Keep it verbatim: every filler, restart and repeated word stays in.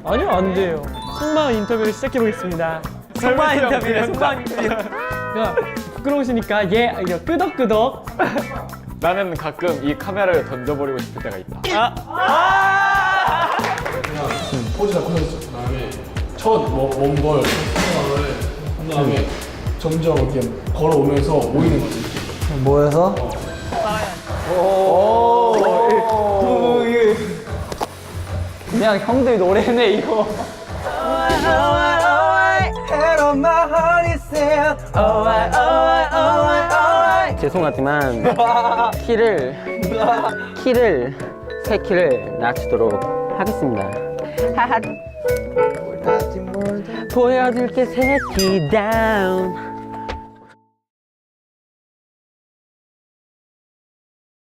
아니요, 안 돼요. 속마음 인터뷰를 시작해보겠습니다. 속마음 인터뷰래, 속마음 인터뷰. 야, 부끄러우시니까 얘 이거 끄덕끄덕. 나는 가끔 이 카메라를 던져버리고 싶을 때가 있다. 포즈 잡고 서 있어. 그다음에 첫먼걸 생각을 한 다음에 점점 이렇게 걸어오면서 모이는 거지. 모여서? 그냥 형들 노래네 이거. 죄송하지만 키를 키를 세 키를 낮추도록 하겠습니다. 하하. 보여줄게 새끼 다운.